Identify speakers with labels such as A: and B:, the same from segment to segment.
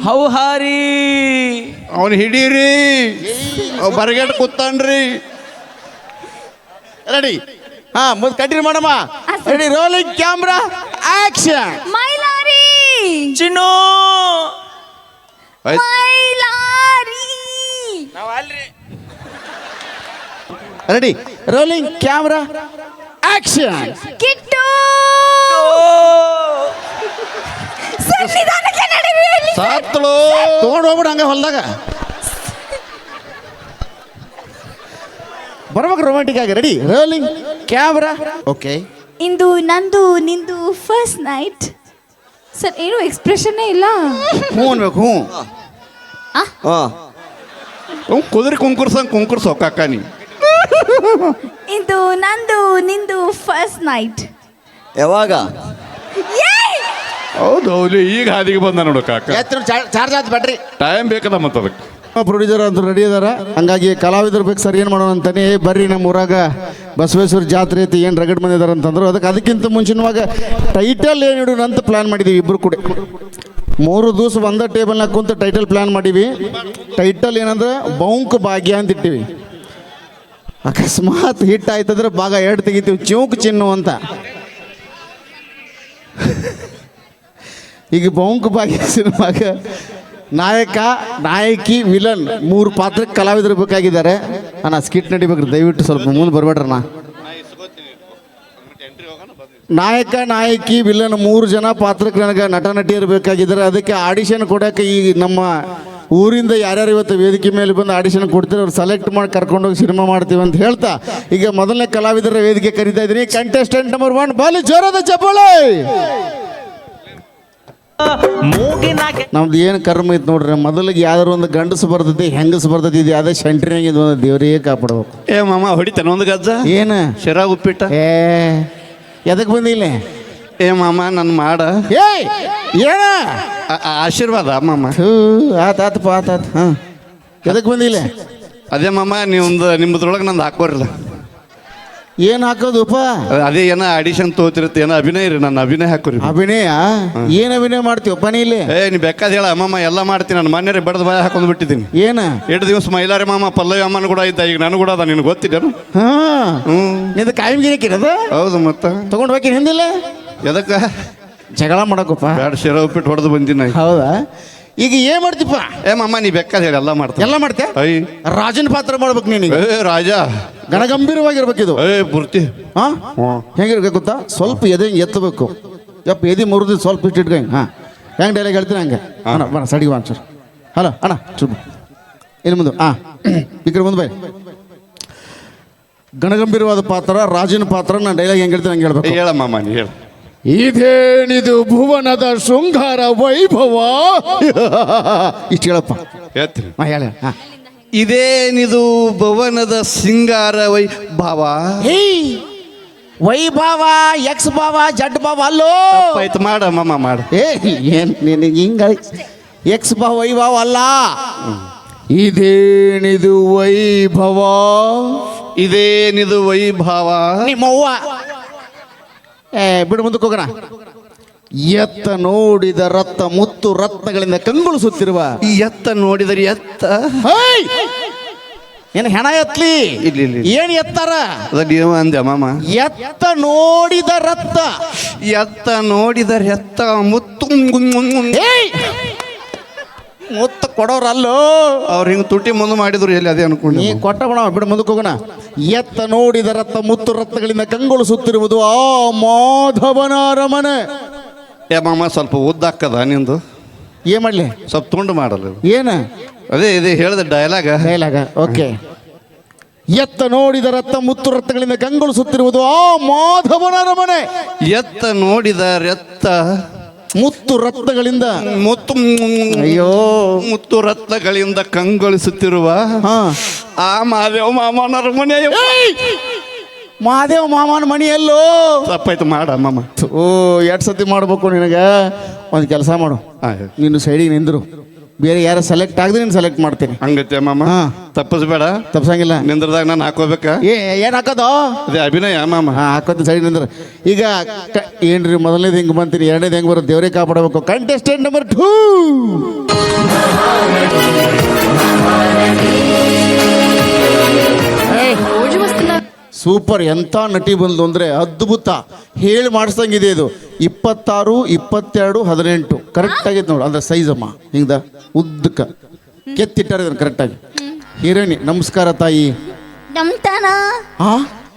A: ಹೌಹಾರಿ
B: ಅವನು ಹಿಡೀರಿ ಬರಗೇಟ್ ಕೂತಾನ್ರಿ ರೆಡಿ ಹಾ ಮುಂದೆ ಕಂಟಿನ್ಯೂ ಮಾಡಮ್ಮ ready rolling camera action
C: Mailari
A: Chinnu
C: Mailari
B: ready rolling camera action
C: Kittu ಸನ್ನಿಧಾನಕ್ಕೆ ನಡೀರಿ
B: ಸಾತ್ಳು ತಗೊಂಡು ಹೋಗ್ಬಿಡು ಹಂಗೆ ಹೊಲ್ದಾಗ ಬರ್ಬೇಕು ರೊಮ್ಯಾಂಟಿಕ್ ಆಗಿ ರೆಡಿ ರೋಲಿಂಗ್ ಕ್ಯಾಮ್ರಾ ಓಕೆ
C: ಇಂದು ನಂದು ನಿಂದು ಫಸ್ಟ್ ನೈಟ್ ಸರ್ ಏನು ಎಕ್ಸ್ಪ್ರೆಷನ್ನೇ ಇಲ್ಲ
B: ಹ್ಞೂ ಅನ್ಬೇಕು ಹ್ಞೂ ಹ್ಞೂ ಕುದುರೆ ಕುಂಕುರ್ಸೋ ಕಾಕ ನೀ
C: ಇಂದು ನಂದು ನಿಂದು ಫಸ್ಟ್ ನೈಟ್
A: ಯಾವಾಗ
B: ಹೌದು ಹೌದು ಈಗ ಹಾದಿಗೆ ಬಂದ ನೋಡು ಕಾಕ
D: ಚಾರ್ಜ್ ಆಯ್ತು ಬ್ಯಾಟ್ರಿ
B: ಟೈಮ್ ಬೇಕದ ಮತ್ತೆ ಅದಕ್ಕೆ
D: ಪ್ರೊಡ್ಯೂಸರ್ ಅಂತ ರೆಡಿ ಅದಾರ ಹಂಗಾಗಿ ಕಲಾವಿದರು ಬೇಕು ಸರ್ ಏನು ಮಾಡೋಣ ಅಂತಾನೆ ಬರ್ರಿ ನಮ್ಮ ಊರಾಗ ಬಸವೇಶ್ವರ ಜಾತ್ರೆ ಐತಿ ಏನು ರಗಡ್ ಬಂದಿದ್ದಾರೆ ಅಂತಂದ್ರು ಅದಕ್ಕಿಂತ ಮುಂಚಿನವಾಗ ಟೈಟಲ್ ಏನು ಇಡೋಣ ಅಂತ ಪ್ಲಾನ್ ಮಾಡಿದ್ದೀವಿ ಇಬ್ಬರು ಕೂಡ 3 ದಿವಸ ಒಂದೇ ಟೇಬಲ್ನಾಗ ಕುಂತು ಟೈಟಲ್ ಪ್ಲಾನ್ ಮಾಡೀವಿ ಟೈಟಲ್ ಏನಂದ್ರೆ ಬೌಂಕ್ ಭಾಗ್ಯ ಅಂತ ಇಟ್ಟಿವಿ ಅಕಸ್ಮಾತ್ ಹಿಟ್ ಆಯ್ತಂದ್ರೆ ಭಾಗ 2 ತೆಗಿತೀವಿ ಚೌಕ್ ಚಿನ್ನು ಅಂತ ಈಗ ಬೌಂಕ್ ಭಾಗ್ಯ ಸಿನಿಮಾಗ ನಾಯಕ ನಾಯಕಿ ವಿಲನ್ 3 ಪಾತ್ರಕ್ಕೆ ಕಲಾವಿದರು ಬೇಕಾಗಿದ್ದಾರೆ ಅಣ್ಣ ಸ್ಕಿಟ್ ನಡಿಬೇಕ್ರಿ ದಯವಿಟ್ಟು ಸ್ವಲ್ಪ ಮುಂದೆ ಬರ್ಬೇಡ್ರಣ್ಣ ನಾಯಕ ನಾಯಕಿ ವಿಲನ್ 3 ಜನ ಪಾತ್ರಕ್ಕೆ ನನಗೆ ನಟ ನಟಿಯರು ಬೇಕಾಗಿದ್ದಾರೆ ಅದಕ್ಕೆ ಆಡಿಷನ್ ಕೊಡೋಕೆ ಈ ನಮ್ಮ ಊರಿಂದ ಯಾರ್ಯಾರು ಇವತ್ತು ವೇದಿಕೆ ಮೇಲೆ ಬಂದು ಆಡಿಷನ್ ಕೊಡ್ತಾರೆ ಅವ್ರು ಸೆಲೆಕ್ಟ್ ಮಾಡಿ ಕರ್ಕೊಂಡೋಗಿ ಸಿನಿಮಾ ಮಾಡ್ತೀವಿ ಅಂತ ಹೇಳ್ತಾ ಈಗ ಮೊದಲನೇ ಕಲಾವಿದರ ವೇದಿಕೆ ಕರೀತಾ ಇದ್ದೀನಿ ಕಂಟೆಸ್ಟೆಂಟ್ ನಂಬರ್ 1 ಬಾಲಿ ಜೋರಾದ ಚಪ್ಪಾಳೆ ನಮ್ದು ಏನು ಕರ್ಮ ಐತೆ ನೋಡ್ರಿ ಮೊದಲಿಗೆ ಯಾವ್ದಾರು ಒಂದು ಗಂಡಸು ಬರ್ತೈತಿ ಹೆಂಗಸು ಬರ್ತೈತಿ ಇದು ಯಾವುದೇ ಸೆಂಟ್ರಿನಾಗ ಇದು ಒಂದು ದೇವರೇ ಕಾಪಾಡ್ಬೇಕು
B: ಏ ಮಾಮ ಹೊಡಿತಾನೆ ಒಂದು ಗಜ್ಜ
D: ಏನು
B: ಶಿರಾ ಉಪ್ಪಿಟ್ಟ
D: ಎದಕ್ಕೆ ಬಂದಿಲ್ಲ
B: ಏ ಮಾಮ ನನ್ನ ಮಾಡ
D: ಏಯ್ ಏನ
B: ಆಶೀರ್ವಾದ ಮಾಮ
D: ಆತಾತಪ್ಪ ಆತಾತ ಹಾಂ ಎದಕ್ಕೆ ಬಂದಿಲ್ಲ
B: ಅದೇ ಮಾಮ ನಿಮ್ಮದ್ರೊಳಗೆ ನಂದು ಹಾಕೋರಿಲ್ಲ
D: ಏನು ಹಾಕೋದುಪ್ಪ
B: ಅದೇ ಏನೋ ಆಡಿಷನ್ ತೋತಿರುತ್ತೆ ಏನೋ ಅಭಿನಯ ರೀ ನನ್ನ ಅಭಿನಯ ಹಾಕೋರಿ
D: ಅಭಿನಯ ಏನು ಅಭಿನಯ ಮಾಡ್ತೀವಪ್ಪ ನೀ ಇಲ್ಲಿ
B: ಏ ನೀ ಬೇಕಾದ ಹೇಳ ಅಮ್ಮಮ್ಮ ಎಲ್ಲ ಮಾಡ್ತೀನಿ ನಾನು ಮನೆಯೇ ಬಡದ ಬಾಯ ಹಾಕೊಂಡು ಬಿಟ್ಟಿದ್ದೀನಿ
D: ಏನು
B: 2 ದಿವಸ ಮೈಲಾರಿ ಮಾಮ ಪಲ್ಲವಿ ಅಮ್ಮನ ಕೂಡ ಇದ್ದ ಈಗ ನಾನು ಕೂಡ ಅದ ನಿನಗೆ ಗೊತ್ತಿದ್ದೇನು
D: ಹಾಂ ನಿಂದು ಕಾಯಿಮ್ಗಿರಿ ಕಿರದ
B: ಹೌದು ಮತ್ತೆ
D: ತಗೊಂಡು ಹೋಗಿ ಹಿಂದಿಲ್ಲ
B: ಎದಕ್ಕೆ
D: ಜಗಳ ಮಾಡಕ್ಕಪ್ಪ
B: ಬ್ಯಾಡ ಶಿರ ಉಪ್ಪಿಟ್ಟು ಹೊಡೆದು ಬಂದಿನ
D: ಹೌದಾ ಈಗ ಏನ್ ಮಾಡ್ತಿಪ್ಪ
B: ಏ ಮಮ್ಮ ನೀ ಬೇಕಾದ ಹೇಳಿ ಎಲ್ಲ ಮಾಡ್ತೀನಿ
D: ಎಲ್ಲ ಮಾಡ್ತೇ
B: ಐ
D: ರಾಜನ ಪಾತ್ರ ಮಾಡ್ಬೇಕು ನೀನೀಗ
B: ಏ ರಾಜ
D: ಗಣಗಂಭೀರವಾಗಿರ್ಬೇಕಿದು
B: ಏ ಪೂರ್ತಿ
D: ಹಾ ಹೆಂಗಿರ್ಬೇಕು ಗೊತ್ತಾ ಸ್ವಲ್ಪ ಎದೆ ಎತ್ತಬೇಕು ಯಪ್ಪ ಎದೆ ಮುರಿದು ಸ್ವಲ್ಪ ಇಟ್ಟಿಟ್ಕ ಹಾಂ ಹೆಂಗೆ ಡೈಲಾಗ್ ಹೇಳ್ತೀನಿ ಹಂಗೆ ಅಣ್ಣ ಬಣ ಸಡಿಗೆ ಬಾ ಸರ್ ಹಲೋ ಅಣ್ಣ ಚುಬ್ ಇಲ್ಲಿ ಮುಂದೆ ಹಾಂ ಈ ಕಡೆ ಮುಂದೆ ಬೈ ಗಣಗಂಭೀರವಾದ ಪಾತ್ರ ರಾಜನ ಪಾತ್ರ ನಾನು ಡೈಲಾಗ್ ಹೆಂಗೆ ಹೇಳ್ತೀನಿ ಹಂಗೆ ಹೇಳ್ಬೇಕು
B: ಹೇಳ ಮಾಮ ನೀ ಹೇಳ
D: ಇದೇನಿದು ಭುವನದ ಶೃಂಗಾರ ವೈಭವ ಇಷ್ಟು ಹೇಳಪ್ಪ
B: ಹೇಳ್ತೀನಿ
D: ಹಾಂ ಹೇಳ ಹಾಂ
B: ಇದೇನಿದು ಭವನದ ಸಿಂಗಾರ ವೈಭವ
D: ವೈಭವ ಎಕ್ಸ್ ಭಾವ ಜಡ್ ಭಾವ ಅಲ್ಲೋ
B: ಆಯ್ತು ಮಾಡ ಮಾಮ ಮಾಡ
D: ಏನು ನಿನಗೆ ಹಿಂಗ ಎಕ್ಸ್ ಭಾವ ವೈಭವ ಅಲ್ಲ ಇದೇನಿದು ವೈಭವ
B: ಇದೇನಿದು ವೈಭವ
D: ನಿಮ್ಮವ್ವ ಬಿಡು ಮುಂದಕ್ಕೆ ಹೋಗೋಣ ಎತ್ತ ನೋಡಿದ ರತ್ತ ಮುತ್ತು ರತ್ನಗಳಿಂದ ಕಂಗೊಳಿಸುತ್ತಿರುವ
B: ಎತ್ತ ನೋಡಿದರೆ ಎತ್ತ
D: ಏನು ಹೆಣ ಎತ್ಲಿ
B: ಇಲ್ಲಿ
D: ಏನು ಎತ್ತಾರ
B: ನೀವು ಅಂದೆ ಮಾಮ
D: ಎತ್ತ ನೋಡಿದ ರತ್ತ
B: ಎತ್ತ ನೋಡಿದರೆ ಎತ್ತ ಮುತ್ತು
D: ಮುತ್ತು ಕೊಡೋರಲ್ಲೋ
B: ಅವ್ರು ಹಿಂಗೆ ತುಟಿ ಮುಂದೆ ಮಾಡಿದ್ರು ಎಲ್ಲಿ ಅದೇ ಅನ್ಕೊಂಡು
D: ನೀ ಕೊಟ್ಟ ಬಿಡ ಬಿಡು ಮುಂದಕ್ಕೆ ಹೋಗೋಣ ಎತ್ತ ನೋಡಿದ ರತ್ತ ಮುತ್ತು ರತ್ನಗಳಿಂದ ಕಂಗೊಳಿಸುತ್ತಿರುವುದು ಆ ಮಾಧವನ ಅರಮನೆ
B: ಏ ಮಾಮ ಸ್ವಲ್ಪ ಉದ್ದಾಕದ ನಿಂದು
D: ಏನ್ ಮಾಡ್ಲಿ
B: ಸ್ವಲ್ಪ ತುಂಡು ಮಾಡಲ್ಲ
D: ಏನು
B: ಅದೇ ಇದೆ ಹೇಳಿದ ಡೈಲಾಗ
D: ಓಕೆ ಎತ್ತ ನೋಡಿದ ರತ್ತ ಮುತ್ತು ರತ್ನಗಳಿಂದ ಕಂಗೊಳಿಸುತ್ತಿರುವುದು ಆ ಮಾಧವನ ಅರಮನೆ
B: ಎತ್ತ ನೋಡಿದ ರತ್ತ
D: ಮುತ್ತು ರತ್ನಗಳಿಂದ
B: ಮುತ್ತು
D: ಅಯ್ಯೋ
B: ಮುತ್ತು ರತ್ನಗಳಿಂದ ಕಂಗೊಳಿಸುತ್ತಿರುವ ಆ ಮಾದೇವ ಮಾಮನರ ಮನೆ
D: ಮಹಾದೇವ ಮಾಮನ ಮನೆಯಲ್ಲೋ
B: ತಪ್ಪಾಯ್ತು ಮಾಡ ಮಾಮ
D: ಓ 2 ಸತಿ ಮಾಡ್ಬೇಕು ನಿನಗೆ ಒಂದು ಕೆಲಸ ಮಾಡು ನೀನು ಸೈಡಿಗೆ ನಿಂದ್ರು ಬೇರೆ ಯಾರು ಸೆಲೆಕ್ಟ್ ಆಗದೆ ನೀನು ಸೆಲೆಕ್ಟ್ ಮಾಡ್ತೀನಿ.
B: ಹಂಗತ್ತೆ ಮಾಮ.
D: ಹಾ.
B: ತಪ್ಪಿಸ್ಬೇಡ.
D: ತಪ್ಸಂಗಿಲ್ಲ.
B: ನಿಂದ್ರದಾಗ ನಾನು ಹಾಕೋಬೇಕಾ?
D: ಏನು ಹಾಕೋದು?
B: ಅದೇ ಅಭಿನಯ ಮಾಮ.
D: ಹಾಂ ಹಾಕೋದು ಸರಿ ನಿಂದ್ರ. ಈಗ ಏನ್ರಿ ಮೊದಲನೇದು ಹಿಂಗೆ ಬಂತೀನಿ, ಎರಡನೇದು ಹೆಂಗೆ ಬರುತ್ತೆ ದೇವರೇ ಕಾಪಾಡಬೇಕು. Contestant number 2. ಸೂಪರ್, ಎಂಥ ನಟಿ ಬಂದು ಅಂದರೆ ಅದ್ಭುತ, ಹೇಳಿ ಮಾಡಿಸ್ದಂಗಿದೆ ಇದು. 26, 22, 18 ಕರೆಕ್ಟ್ ಆಗೈತೆ ನೋಡು. ಅಂದ್ರೆ ಸೈಜ್ ಅಮ್ಮ ಹಿಂಗ ಉದ್ದಕ್ಕ ಕೆತ್ತಿಟ್ಟಾರೆ ಇದನ್ನು ಕರೆಕ್ಟಾಗಿ. ಹೀರೋಯಿನಿ ನಮಸ್ಕಾರ ತಾಯಿ.
C: ನಮ್ತಾನ
D: ಹಾ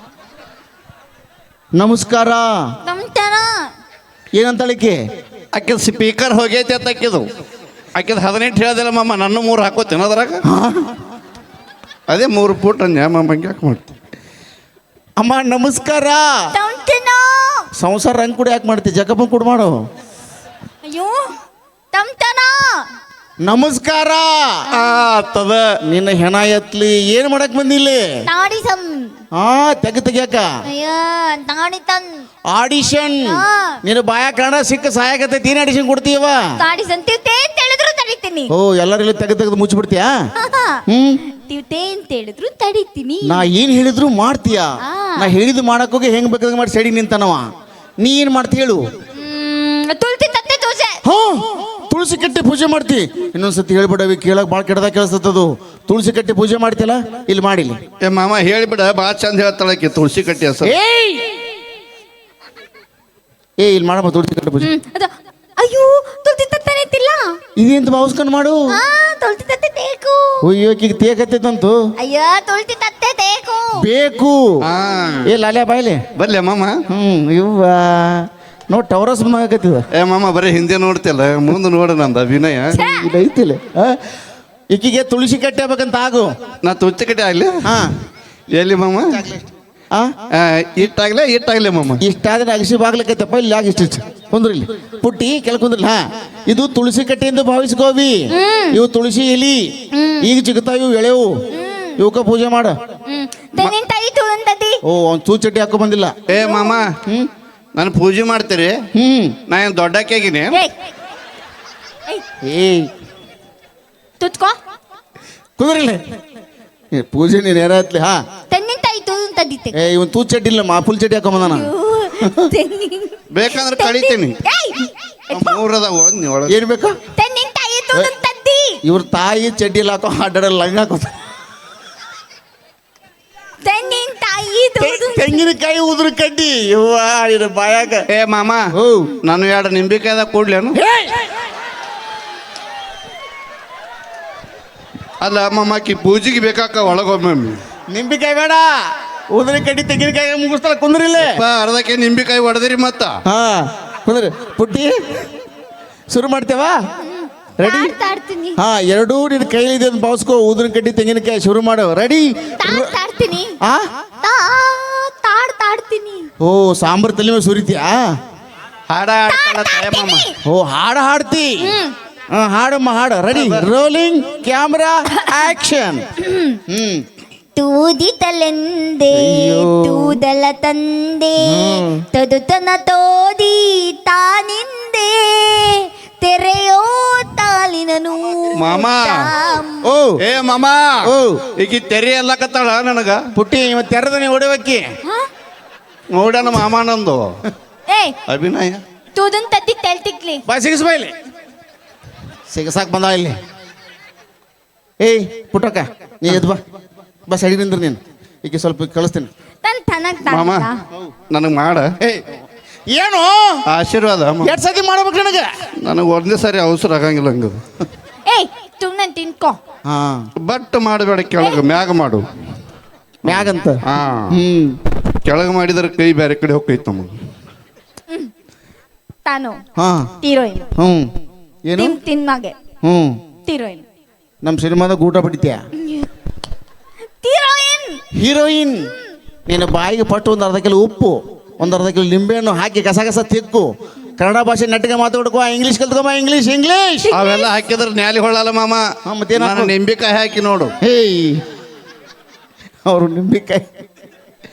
D: ನಮಸ್ಕಾರ.
C: ನಮ್ತಾನ
D: ಏನಂತಳಿಕೆ?
B: ಆಕೆ ಸ್ಪೀಕರ್ ಹೋಗೈತೆ ಅಂತ ಆಕಿದು. ಆಕಿದು 18 ಹೇಳ್ದಿಲ್ಲ ಮಾಮ, ನನ್ನ 3 ಹಾಕೋತೇನೆ ಅದ್ರಾಗ. ಅದೇ 3 ಫೂಟ್ ಅಂದ್ಯಾ ಮಾಮ, ಹಂಗೆ ಯಾಕೆ ಮಾಡ್ತೀನಿ?
D: ಅಮ್ಮ ನಮಸ್ಕಾರ.
C: ತಮ್ತನ
D: ಸಂಸಾರ ಹಂಗೆ ಕೂಡ ಯಾಕೆ ಮಾಡ್ತಿ? ಜಗಪ್ಪ ಕೂಡ ಮಾಡು.
C: ಅಯ್ಯೋ ತಮ್ತನ
D: ನಮಸ್ಕಾರ.
B: ಆಗ್ತದ.
D: ನಿನ್ನ ಹೆಣ ಎತ್ಲಿ, ಏನು ಮಾಡಕ್ ಬಂದಿಲ್ಲಿ?
C: ತಾಡಿಸಂ
D: ಹಾ ತೆಗ್ಯಾಕ
C: ಅಯ್ಯ ತಾಡಿತನ್
D: ಆಡಿಷನ್. ನೀನು ಬಾಯ ಕನ್ನಡ ಸಿಕ್ಕ ಸಹಾಯಕತೆ ಏನ್ ಆಡಿಷನ್ ಕೊಡ್ತೀವ?
C: ತಾಡಿಸಂ ತಿವ್ತೆ ಅಂತ ಹೇಳಿದ್ರು ತಡಿತೀನಿ.
D: ಓ ಎಲ್ಲರೂ ತೆಗೆದು ಮುಚ್ಚಿಬಿಡ್ತೀಯಾ?
C: ತಿವ್ತೆ ಅಂತ ಹೇಳಿದ್ರು ತಡಿತೀನಿ.
D: ನಾ ಏನ್ ಹೇಳಿದ್ರು ಮಾಡ್ತೀಯಾ? ನಾ ಹೇಳಿದ್ದು ಮಾಡಕ್ ಹೋಗಿ ಹೆಂಗ್ ಬೇಕಾದ ಮಾಡಿ ಸೈಡಿಗೆ ನಿಂತಾನವ. ನೀ ಏನ್ ಮಾಡ್ತಿ ಹೇಳು?
C: ತುಳ್ತಿ ತತ್ತೆ ದೋಸೆ.
D: ಹಾ ತುಳಸಿ ಕಟ್ಟಿ ಪೂಜೆ ಮಾಡ್ತಿ. ಇನ್ನೊಂದ್ಸತಿ ಹೇಳ್ಬಿಡವಿ, ಕೇಳಕ್ ಭಾಳ ಕೆಡದಾಗ ಕೇಳಿಸ್ತದು. ತುಳಸಿ ಕಟ್ಟಿ ಪೂಜೆ ಮಾಡ್ತಿಲ್ಲ, ಇಲ್ಲಿ ಮಾಡಿಲ್ಲ.
B: ಏ ಮಾಮ ಹೇಳಿಬಿಡ, ಭಾಳ ಚಂದ ಹೇಳ್ತಾಳಕ್ಕೆ ತುಳಸಿ ಕಟ್ಟಿ ಹೆಸರು.
D: ಏ ಇಲ್ಲಿ ಮಾಡಮ್ಮ ತುಳಸಿ ಕಟ್ಟಿ ಪೂಜೆ.
C: ಅಯ್ಯೋ ತುಳ್ತಿ ತತ್ತೆ ನಿಂತಿಲ್ಲ.
D: ಇದೇಂತ ಭಾವಿಸ್ಕೊಂಡು ಮಾಡು.
C: ತುಳ್ತಿ ತತ್ತೆ ಬೇಕು.
D: ಅಯ್ಯೋ ಈಗ ತೇಕತ್ತೈತಂತು.
C: ಅಯ್ಯೋ ತುಳ್ತಿ ತತ್ತೆ ಬೇಕು.
D: ಬೇಕು. ಏ ಲಾಲ್ಯಾ ಬಾಯ್ಲೆ
B: ಬರ್ಲಿ ಮಾಮ.
D: ಇವ್ವ ನೋಡ್ ಟವರಸ್ ಆಗತ್ತಿದ.
B: ಏ ಮಾಮ ಬರೀ ಹಿಂದೆ ನೋಡ್ತಿಲ್ಲ, ಮುಂದೆ ನೋಡ ನಂದು ಅಭಿನಯ
D: ಇಲ್ಲ ಐತಿಲ್ಲ. ಈಕಿಗೆ ತುಳಸಿ ಕಟ್ಟಿ ಆಗ್ಬೇಕಂತ ಆಗು.
B: ನಾ ತುಳಸಿ ಕಟ್ಟಿ ಆಗ್ಲಿ.
D: ಹಾ
B: ಎಲ್ಲಿ ಮಾಮ? ಇಟ್ಟಾಗ್ಲೇ ಮಾಮ.
D: ಇಷ್ಟಾದ್ರೆ ಅಗಸಿ ಬಾಗ್ಲಕ್ಕೈತಪ್ಪ. ಇಲ್ಲಿ ಆಗ ಇಷ್ಟ ಕುಂದ್ರಿ, ಇಲ್ಲಿ ಪುಟ್ಟಿ ಕೆಳ ಕುಂದ್ರಲ್ಲ. ಹಾ ಇದು ತುಳಸಿ ಕಟ್ಟೆಯಿಂದ ಭಾವಿಸ್ಕೋವಿ. ಇವು ತುಳಸಿ ಎಲಿ ಈಗ ಸಿಗ್ತಾವ, ಇವು ಎಳೆವು. ಇವಕ್ಕ ಪೂಜೆ ಮಾಡ. ಓ ಅವ್ನು ತೂ ಚಟ್ಟಿ ಹಾಕೋ ಬಂದಿಲ್ಲ.
B: ಏ ಮಾಮ ನಾನು ಪೂಜೆ ಮಾಡ್ತೀರಿ? ನಾ ಏನು ದೊಡ್ಡಕ್ಕಾಗಿನಿ?
D: ಏಯ್
C: ತುತ್ಕೋ
D: ಕುಂದ್ರಿಲ್ಲ. ಪೂಜೆ ನೀನು ಯಾರತ್ಲಿ. ಹಾ
C: ತೆನ್ನಿನಕಾಯಿ ತದಿತ್ತೆ.
D: ಏ ಇವನ್ ತೂ ಚಡ್ಡಿ ಇಲ್ಲ, ಫುಲ್ ಚಡ್ಡಿ ಹಾಕೊಂಬಂದ ನಾನು.
B: ಬೇಕಂದ್ರೆ ಕಳಿತೀನಿ. ಮೂರದ ಒಂದ್ ಒಳಗೆ
D: ಏನ್ ಬೇಕು?
C: ತೆನ್ನಿನಕಾಯಿ ತದ್ದಿ.
D: ಇವ್ರ ತಾಯಿ ಚಡ್ಡಿ ಇಲ್ಲ ಹಾಕೋ ಅಡ್ಡಾಡಲ್ಲ, ಲಂಗ ಹಾಕೋ. ತೆಂಗಿನಕಾಯಿ ಉದ್ರ ಕಡ್ಡಿ ಇವ್ವ ಇದು ಬಾಯಾಗ.
B: ಏ ಮಾಮ ನಾನು 2 ನಿಂಬಿಕಾಯ್ದಾಗ ಕೂಡ್ಲೇನು? ಅಲ್ಲ ಮಾಮಾಕಿ ಪೂಜೆಗೆ ಬೇಕಾಕ ಒಳಗೊಮ್ಮೆ
D: ನಿಂಬಿಕಾಯಿ ಬೇಡ, ಉದ್ರ ಕಡ್ಡಿ ತೆಂಗಿನಕಾಯಿ ಮುಗಿಸ್ತಾರ. ಕುಂದ್ರಿಲ್ಲ,
B: ಅರ್ಧಕ್ಕೆ ನಿಂಬಿಕಾಯಿ ಹೊಡೆದಿರಿ ಮತ್ತ.
D: ಹಾ ಕುಂದ್ರಿ ಪುಟ್ಟಿ, ಶುರು ಮಾಡ್ತೇವಾ? ರೆಡಿ? ಹಾ ಎರಡೂ ನಿನ್ನ ಕೈಲಿದೆ ಅಂತ ಭಾವಿಸ್ಕೋ. ಉದ್ರ ಕಡ್ಡಿ ತೆಂಗಿನಕಾಯಿ ಶುರು ಮಾಡು. ರೆಡಿ? ಓ ಸಾಂಬಾರ್ ತಲೆ ಮೇಲೆ ಸುರಿತೀಯಾ?
B: ಹಾಡ ಮಾಮ.
D: ಓ ಹಾಡ ಹಾಡ್ತಿ. ಹಾಡಮ್ಮ ಹಾಡ. ರೆಡಿ? Rolling camera action.
C: ತೂದಿತಲೆಂದೆ ತೂದಲ ತಂದೆ ತದುತನ ತೋದಿ ತಾನಿಂದೆ ತೆರೆಯೋ ತಾಲಿನನು.
B: ಮಾಮ
D: ಓ
B: ಏ ಮಾಮ
D: ಓ
B: ಈಗ ತೆರೆ ಎಲ್ಲ ಕತ್ತಾಳ ನನಗ.
D: ಪುಟ್ಟಿ ಇವತ್ತು ತೆರೆದನೆ ಹೊಡಿಬೇಕಿ.
B: ನೋಡ್ಯಾನ ಮಾಮ ನಂದು ಅಭಿನಯ.
C: ತೂದನ್ ತದ್ದಿ ತೆಲ್ತಿಕ್ಲಿ
D: ಬಾ ಸಿಗಿಸ್ಬಾ ಇಲ್ಲಿ. ಸಿಗಸಾಕ್ ಬಂದ ಇಲ್ಲಿ. ಏಯ್ ಪುಟ್ಟಕ್ಕ ನೀ ಎದ್ ಬಾ. ಬಾ ಸೈಡ್ ನಿಂದ್ರ ನೀನು. ಈಗ ಸ್ವಲ್ಪ ಕಳಿಸ್ತೀನಿ.
B: ಮಾಮ ನನಗೆ ಮಾಡ.
D: ಏನು
B: ಆಶೀರ್ವಾದ?
D: ಎರಡು ಸತಿ ಮಾಡ್ಬೇಕು ನನಗೆ.
B: ನನಗೆ ಒಂದೇ ಸಾರಿ ಅವಸರ ಆಗಂಗಿಲ್ಲ ಹಂಗ.
C: ತುಮ್ನನ್ ತಿನ್ಕೋ.
D: ಹಾ
B: ಬಟ್ ಮಾಡಬೇಡ, ಕೆಳಗೆ ಮ್ಯಾಗ ಮಾಡು.
D: ಮ್ಯಾಗಂತ?
B: ಹಾ ಕೆಳಗೆ ಮಾಡಿದ್ರೆ ಕೈ ಬೇರೆ ಕಡೆ ಹೋಗ್ತೈತೆ ನಮಗೆ.
C: ತಾನು
D: ಹಾ
C: ಹೀರೋಯಿನ್.
D: ಏನು
C: ತಿನ್ಮಾಗೆ ಹೀರೋಯಿನ್.
D: ನಮ್ಮ ಸಿನಿಮಾದಾಗ ಊಟ ಬಿಡ್ತೀಯ? ಹೀರೋಯಿನ್. ನೀನು ಬಾಯಿಗೆ ಪಟ್ಟು ಒಂದು ಅರ್ಧ ಕಿಲೋ ಉಪ್ಪು, ಒಂದು ಅರ್ಧ ಕಿಲೋ ನಿಂಬೆಹಣ್ಣು ಹಾಕಿ ಕಸ ಕಸ ತಿಕ್ಕು. ಕನ್ನಡ ಭಾಷೆ ನೆಟ್ಟಿಗೆ ಮಾತಾಡ್ಕೋ. ಇಂಗ್ಲೀಷ್ ಕಲ್ತ್ಕೊಮ್ಮ. ಇಂಗ್ಲೀಷ್ ಇಂಗ್ಲೀಷ್
B: ಅವೆಲ್ಲ ಹಾಕಿದ್ರೆ ನ್ಯಾಲಿ ಹೊಳ್ಳಲ್ಲ ಮಾಮ.
D: ಮತ್ತೇನು
B: ನಿಂಬಿಕಾಯಿ ಹಾಕಿ ನೋಡು.
D: ಹೇಯ್ ಅವರು ನಿಂಬಿಕಾಯಿ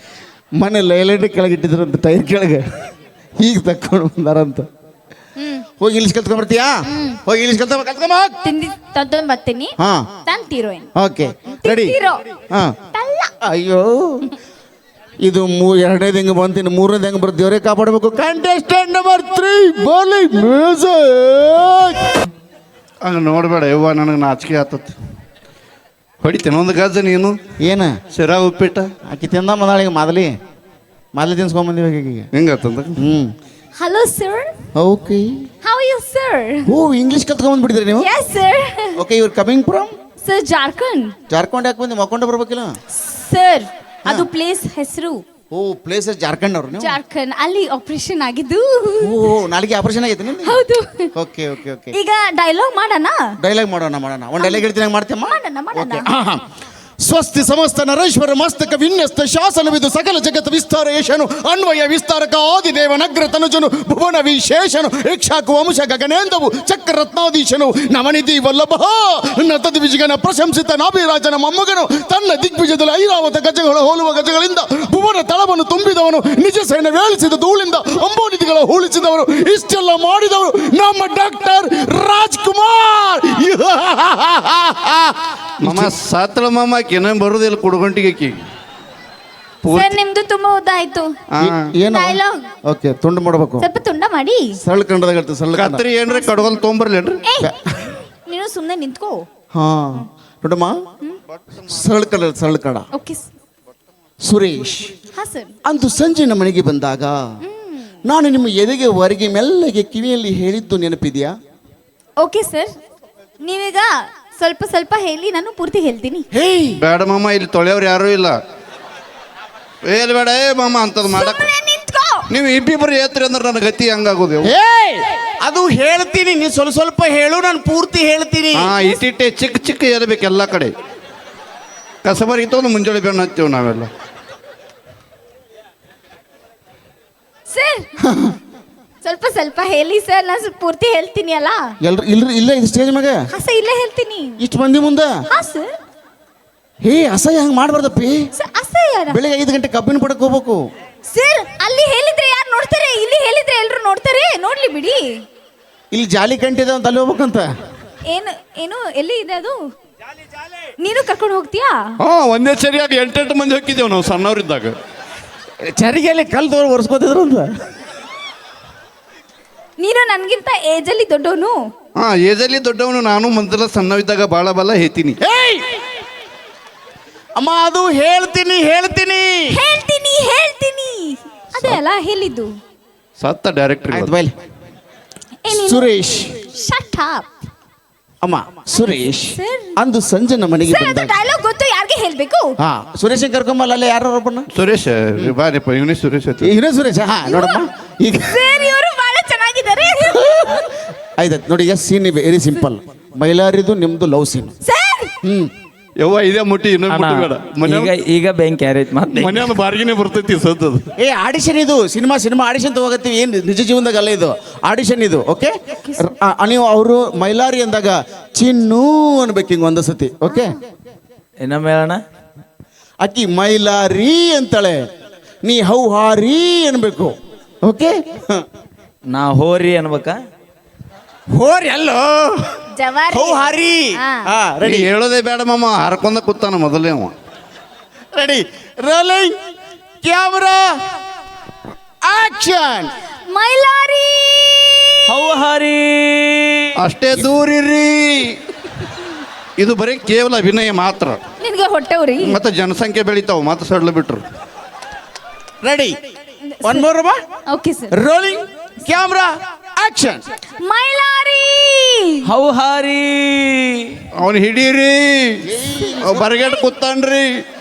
D: ಮನೆ ಲೈಲೈಟ್ ಕೆಳಗಿಟ್ಟಿದ್ರಂತ, ಟೈರ್ ಕೆಳಗೆ. ಈಗ ತಕ್ಕೊಂಡು ಬಂದಾರಂತ. ಹೋಗಿ ಇಂಗ್ಲೀಷ್ ಕಲ್ತ್ಕೊಂಡ್ಬರ್ತೀಯಾ ಹೋಗಿ ಇಂಗ್ಲೀಷ್ ಕಲ್ತ್ಕೊಂಬ
C: ತಿಂದಿ ತಂದು ಬರ್ತೀನಿ
D: ಹಾ
C: ತಂದ್ ಹೀರೋಯಿನ್
D: ಓಕೆ ರೆಡಿ
C: ಹೀರೋ
D: ಹಾ
C: ತಲ್ಲ
D: ಅಯ್ಯೋ ಇದು ಎರಡನೇದು ಹೆಂಗೆ ಬಂತೀನಿ ಮೂರನೇದು ಹೆಂಗೆ ಬರ್ತೀವ್ರೆ ಕಾಪಾಡಬೇಕು ಕಂಟೆಸ್ಟೆಂಟ್ ನಂಬರ್ 3 ಬೋಲಿ ಮ್ಯೂಸಿಕ್
B: ಹಂಗೆ ನೋಡಬೇಡ ಯವ್ವ ನನಗೆ ನಾಚಿಕೆ ಆತತ್ ಹೊಡಿತೇನೆ ಒಂದು ಗಜ್ಜ ನೀನು
D: ಏನ
B: ಶಿರಾ ಉಪ್ಪಿಟ್ಟ
D: ಆಕಿ ತಿಂದ ಮದಾಳಿಗೆ ಮೊದಲಿ ತಿನ್ಸ್ಕೊಂಬಂದಿವಿ ಆಕಿಗೆ
B: ಹೆಂಗಾತಂದ
C: hello sir
D: okay
C: how you sir
D: ಓ ಇಂಗ್ಲೀಷ್ ಕಲ್ತ್ಕೊಂಡ್ಬಿಟ್ಟಿದ್ರಿ ನೀವು
C: ಯಸ್ ಸರ್
D: ಓಕೆ ಇವ್ರು coming from
C: sir Jharkhand
D: Jharkhand ಯಾಕೆ ಬಂದು ಮಕ್ಕೊಂಡೆ ಬರ್ಬೇಕಿಲ್ಲ
C: ಸರ್ ಅದು ಪ್ಲೇಸ್ ಹೆಸರು
D: ಓ ಪ್ಲೇಸ್ ಜಾರ್ಖಂಡ್ ಅವ್ರು ನೀವು
C: ಜಾರ್ಖಂಡ್ ಅಲ್ಲಿ ಆಪರೇಷನ್ ಆಗಿದ್ದು
D: ಓ ನಾಳೆಗೆ ಆಪರೇಷನ್ ಆಗೈತೆ ನಿಮ್ದು
C: ಹೌದು
D: ಓಕೆ ಓಕೆ ಓಕೆ
C: ಈಗ ಡೈಲಾಗ್ ಮಾಡೋಣ
D: ಡೈಲಾಗ್ ಮಾಡೋಣ ಒಂದು ಡೈಲಾಗ್ ಹೇಳ್ತೀನಿ ಮಾಡ್ತೀಯಮ್ಮ
C: ಮಾಡೋಣ
D: ಸ್ವಸ್ತಿ ಸಮಸ್ತ ನರೇಶ್ವರ ಮಸ್ತಕ ವಿನ್ಯಸ್ತ ಶಾಸನವಿದು ಸಕಲ ಜಗತ್ ವಿಸ್ತಾರ ಯಶನು ಅನ್ವಯ ವಿಸ್ತಾರಕ ಆದಿದೇವ ನಗ್ರ ತನುಜನು ಭುವನ ವಿಶೇಷನು ಇಕ್ಷಾಕು ವಂಶ ಗಗನೇಂದವು ಚಕ್ರ ರತ್ನಾಧೀಶನು ನವನಿಧಿ ವಲ್ಲಭ ನತದ ವಿಜಯನ ಪ್ರಶಂಸಿತ ನಾಭಿರಾಜನ ಮೊಮ್ಮಗನು ತನ್ನ ದಿಗ್ವಿಜಯದಲ್ಲಿ ಐರಾವತ ಗಜಗಳ ಹೋಲುವ ಗಜಗಳಿಂದ ಭುವನ ತಳವನ್ನು ತುಂಬಿದವನು ನಿಜ ಸೇನೆ ವೇಳಿಸಿದ ಧೂಳಿಂದ ಅಂಬೋನಿಧಿಗಳ ಹೂಳಿಸಿದವರು ಇಷ್ಟೆಲ್ಲ ಮಾಡಿದವರು ನಮ್ಮ ಡಾಕ್ಟರ್ ರಾಜ್ಕುಮಾರ್
B: ಮಮ್ಮ ಸಾತ್ರ ಮಾಮ ಏನ ಬರುದಿಲ್ಲ ಕುಡ್ಗಂಟಿಗೆ
C: ಸರ್ ನಿಮ್ದು ತುಂಬಾ ಉದ್ದ ಆಯ್ತು
D: ಏನು
C: ಡೈಲಾಗ್
D: ಓಕೆ ತುಂಡು ಮಾಡಬೇಕು
C: ಸ್ವಲ್ಪ ತುಂಡ ಮಾಡಿ
D: ಸರಳ ಕಂಡದಾಗ ಹೇಳ್ತೀವಿ ಸರಳ ಕಂಡ
B: ಕತ್ರಿ ಏನ್ರಿ ಕಡ್ಗೋಲ್ ತೊಗೊಂಬರ್ಲೇನ್ರಿ
C: ನೀನು ಸುಮ್ಮನೆ ನಿಂತ್ಕೋ
D: ಹಾ ನೋಡಮ್ಮ ಸರಳ ಕಡ
C: ಓಕೆ
D: ಸುರೇಶ್
C: ಹಾ ಸರ್
D: ಅಂದು ಸಂಜೆ ನಮ್ಮ ಮನೆಗೆ ಬಂದಾಗ ನಾನು ನಿಮ್ಮ ಎದೆಗೆ ಹೊರಗೆ ಮೆಲ್ಲಗೆ ಕಿವಿಯಲ್ಲಿ ಹೇಳಿದ್ದು ನೆನಪಿದೆಯಾ
C: ಓಕೆ ಸರ್ ನೀವೀಗ ಸ್ವಲ್ಪ ಸ್ವಲ್ಪ ಹೇಳಿ ನಾನು ಪೂರ್ತಿ ಹೇಳ್ತೀನಿ
D: ಹೇಯ್
B: ಬೇಡ ಮಾಮ ಇಲ್ಲಿ ತೊಳೆಯವ್ರು ಯಾರೂ ಇಲ್ಲ ಏಲ್ ಬೇಡ ಏ ಮಾಮ ಅಂತದ್ ಮಾಡಕ್
C: ಸುಮ್ನೆ ನಿಂತ್ಕೋ
B: ನೀವು ಇಬ್ಬಿಬ್ರು ಏತ್ರಿ ಅಂದ್ರೆ ನನ್ನ ಗತಿ ಹಂಗಾಗೋದು
D: ಹೇಯ್ ಅದು ಹೇಳ್ತೀನಿ ನೀ ಸ್ವಲ್ಪ ಹೇಳು ನಾನು ಪೂರ್ತಿ ಹೇಳ್ತೀನಿ
B: ಹಾ ಇಟ್ಟಿಟ್ಟೆ ಚಿಕ್ಕ ಚಿಕ್ಕ ಏರ್ಬೇಕು ಎಲ್ಲ ಕಡೆ ಕಸಬರಿಗೆ ತೊಗೊಂಡು ಮುಂಜಾನೆ ಬೆನ್ನು ಹತ್ತೀವಿ ನಾವೆಲ್ಲ
C: ಸರ್ ಸ್ವಲ್ಪ ಸ್ವಲ್ಪ ಹೇಳಿ ಸರ್ ನಾನು ಪೂರ್ತಿ ಹೇಳ್ತೀನಿ ಅಲ್ಲ
D: ಎಲ್ರು ಇಲ್ಲ ಇದು ಸ್ಟೇಜ್ ಮ್ಯಾಗ
C: ಹಸ ಇಲ್ಲೇ ಹೇಳ್ತೀನಿ
D: ಇಷ್ಟು ಮಂದಿ ಮುಂದೆ
C: ಹಾ ಸರ್
D: ಹೇ ಅಸಹ್ಯ ಹಂಗೆ ಮಾಡ್ಬಾರ್ದಪ್ಪಿ
C: ಸರ್ ಹಸ ಯಾರ
D: ಬೆಳಿಗ್ಗೆ 5 ಗಂಟೆ ಕಬ್ಬಿನ ಪಡಕ್ ಹೋಗ್ಬೇಕು
C: ಸರ್ ಅಲ್ಲಿ ಹೇಳಿದ್ರೆ ಯಾರು ನೋಡ್ತಾರೆ ಇಲ್ಲಿ ಹೇಳಿದ್ರೆ ಎಲ್ರು ನೋಡ್ತಾರೆ ನೋಡ್ಲಿ ಬಿಡಿ
D: ಇಲ್ಲಿ ಜಾಲಿ ಕಂಟಿದೆ ಅಂತ ಅಲ್ಲಿ ಹೋಗ್ಬೇಕಂತ
C: ಏನು ಏನು ಎಲ್ಲಿ ಇದೆ ಅದು ನೀನು ಕರ್ಕೊಂಡು ಹೋಗ್ತೀಯಾ
B: ಹಾ ಒಂದೇ ಸರಿಯಾಗಿ 8 ಮಂದಿ ಹೋಗಿದ್ದೇವೆ ನಾವು ಸಣ್ಣವರಿದ್ದಾಗ
D: ಚರಿಗೆಯಲ್ಲಿ ಕಲ್ ತೋರ್ ಒರೆಸ್ಕೋತಿದ್ರು ಅಂತ
C: ನೀನು ನನ್ಗಿಂತ ಏಜ್ ಅಲ್ಲಿ ದೊಡ್ಡವನು
B: ಹಾ ಏಜಲ್ಲಿ ದೊಡ್ಡವನು ನಾನು ಮೊದಲ ಸಣ್ಣವಿದ್ದಾಗ ಬಾಳ ಬಲ ಹೇಳ್ತೀನಿ
D: ಅಮ್ಮ ಅದು ಹೇಳ್ತೀನಿ
C: ಹೇಳ್ತೀನಿ ಅದೇ ಅಲ್ಲ ಹೇಳಿದ್ದು
B: ಸತ್ತ ಡೈರೆಕ್ಟರ್
D: ಆಯ್ತು ಬೈಲಿ
C: ಏನೇನು?
D: ಸುರೇಶ್
C: ಶಟ್ ಅಪ್
D: ಅಮ್ಮ ಸುರೇಶ್
C: Sir.
D: ಅಂದು ಸಂಜೆ ನಮ್ಮ ಮನೆಗೆ
C: ಸರ್ ಅದು
D: ಬಂದಾಗ
C: ಡೈಲಾಗ್ ಗೊತ್ತು ಯಾರಿಗೆ ಹೇಳ್ಬೇಕು
D: ಹಾ ಸುರೇಶ್ ಕರ್ಕೊಂಬಲ್ಲ ಅಲ್ಲೇ ಯಾರು ಒಬ್ಬನ
B: ಸುರೇಶ್ ಬಾರಿಪ್ಪ ಇವನೇ ಸುರೇಶ್ ಆಯ್ತು
D: ಇವನೇ ಸುರೇಶ್ ಹಾ ನೋಡಮ್ಮ ಈಗ
C: ಸರ್ ಇವರು ಬಹಳ ಚೆನ್ನಾಗಿದ್ದಾರೆ
D: ಆಯ್ತು ನೋಡಿ ಈಗ ಸೀನ್ ವೆರಿ ಸಿಂಪಲ್ ಮೈಲಾರಿದು ನಿಮ್ದು ಲವ್ ಸೀನ್
C: ಸರ್
B: ಯವ್ವ ಇದೇ ಮುಟ್ಟಿ ಇನ್ನೊಂದು ಮುಟ್ಟಿ ಬೇಡ
E: ಈಗ ಈಗ ಬ್ಯಾಂಕ್ ಕ್ಯಾರೇಜ್ ಮತ್ತೆ
B: ಮನೆಯೊಂದು ಬಾರ್ಗಿನೇ ಬರ್ತೈತಿ ಸದ್ದದು
D: ಏ ಆಡಿಷನ್ ಇದು ಸಿನಿಮಾ ಆಡಿಷನ್ ತಗೋಗತ್ತೀವಿ ಏನು ನಿಜ ಜೀವನದಾಗ ಅಲ್ಲ ಇದು ಆಡಿಷನ್ ಇದು ಓಕೆ ನೀವು ಅವರು ಮೈಲಾರಿ ಅಂದಾಗ ಚಿನ್ನು ಅನ್ಬೇಕು ಹಿಂಗೆ ಒಂದು ಸತಿ ಓಕೆ
E: ಇನ್ನೊಮ್ಮೆ ಹೇಳೋಣ
D: ಅಕ್ಕಿ ಮೈಲಾರಿ ಅಂತಾಳೆ ನೀ ಹೌಹಾರಿ ಅನ್ಬೇಕು ಓಕೆ
E: ನಾ ಹೋರಿ ಅನ್ಬೇಕಾ
D: ಹೋರಿ ಅಲ್ಲೋ
C: ಜವಾರಿ
D: ಹೌಹಾರಿ
C: ಹಾ.
D: ಹಾ
B: ರೆಡಿ
D: ರೆಡಿ
B: ಹೇಳೋದೇ ಬೇಡ ಮಾಮ ಹರ್ಕೊಂಡ ಕೂತಾನ ಮೊದಲೇ ಅವ
D: ready rolling camera action
C: Mailari
E: ಹೌಹಾರಿ
B: ಅಷ್ಟೇ ದೂರಿರಿ ಇದು ಬರೀ ಕೇವಲ ಅಭಿನಯ ಮಾತ್ರ
C: ನಿನ್ಗೆ ಹೊಟ್ಟೆವ್ರಿ
B: ಮತ್ತೆ ಜನಸಂಖ್ಯೆ ಬೆಳಿತಾವ ಮತ್ತೆ ಸಡ್ಲು ಬಿಟ್ರು
D: ready one more
C: okay sir
D: rolling camera action
C: Mailari
E: ಹೌಹಾರಿ
B: ಅವನು ಹಿಡೀರಿ ಬರಗೇಟ್ ಕೂತಾನ್ರಿ